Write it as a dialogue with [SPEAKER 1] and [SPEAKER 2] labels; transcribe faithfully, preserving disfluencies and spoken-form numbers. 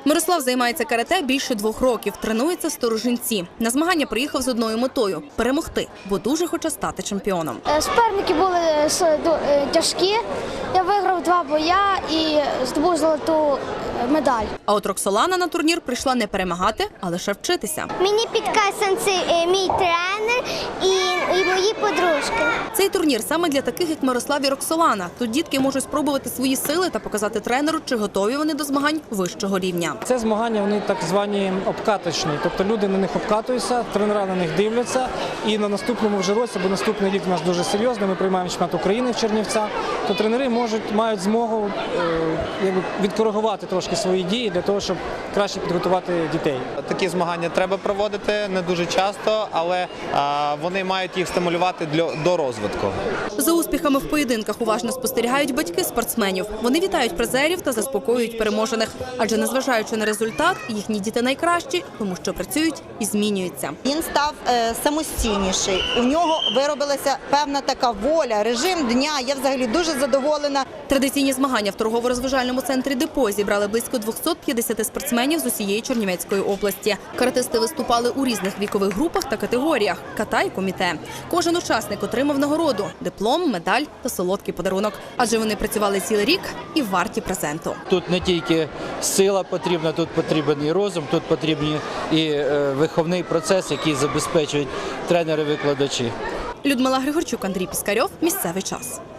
[SPEAKER 1] Мирослав займається карате більше двох років, тренується в Сторожинці. На змагання приїхав з одною метою – перемогти, бо дуже хоче стати чемпіоном.
[SPEAKER 2] Суперники були тяжкі, я виграв два боя і здобув золоту медаль.
[SPEAKER 1] А от Роксолана на турнір прийшла не перемагати, а лише вчитися.
[SPEAKER 2] Мені підказує мій тренер і, і мої подружки.
[SPEAKER 1] Цей турнір саме для таких, як Мирослав і Роксолана. Тут дітки можуть спробувати свої сили та показати тренеру, чи готові вони до змагань вищого рівня.
[SPEAKER 3] Це змагання, вони так звані обкаточні, тобто люди на них обкатуються, тренера на них дивляться, і на наступному вже році, бо наступний рік у нас дуже серйозний, ми приймаємо чемпіонат України в Чернівцях, то тренери можуть, мають змогу е, якби, відкоригувати трошки свої дії для того, щоб краще підготувати дітей.
[SPEAKER 4] Такі змагання треба проводити не дуже часто, але а, вони мають їх стимулювати для, до розвитку.
[SPEAKER 1] За успіхами в поєдинках уважно спостерігають батьки спортсменів. Вони вітають призерів та заспокоюють переможених. Адже, незважаючи на результат, їхні діти найкращі, тому що працюють і змінюються.
[SPEAKER 5] Він став е, самостійніший, у нього виробилася певна така воля, режим дня. Я взагалі дуже задоволена.
[SPEAKER 1] Традиційні змагання в торгово-розважальному центрі «Депо» зібрали близько двохсот п'ятдесят спортсменів з усієї Чернівецької області. Каратисти виступали у різних вікових групах та категоріях – ката і коміте. Кожен учасник отримав нагороду – диплом, медаль та солодкий подарунок. Адже вони працювали цілий рік і варті презенту.
[SPEAKER 6] Тут не тільки сила потрібна, тут потрібен і розум, тут потрібен і виховний процес, який забезпечують тренери-викладачі.
[SPEAKER 1] Людмила Григорчук, Андрій Піскарьов. Місцевий час.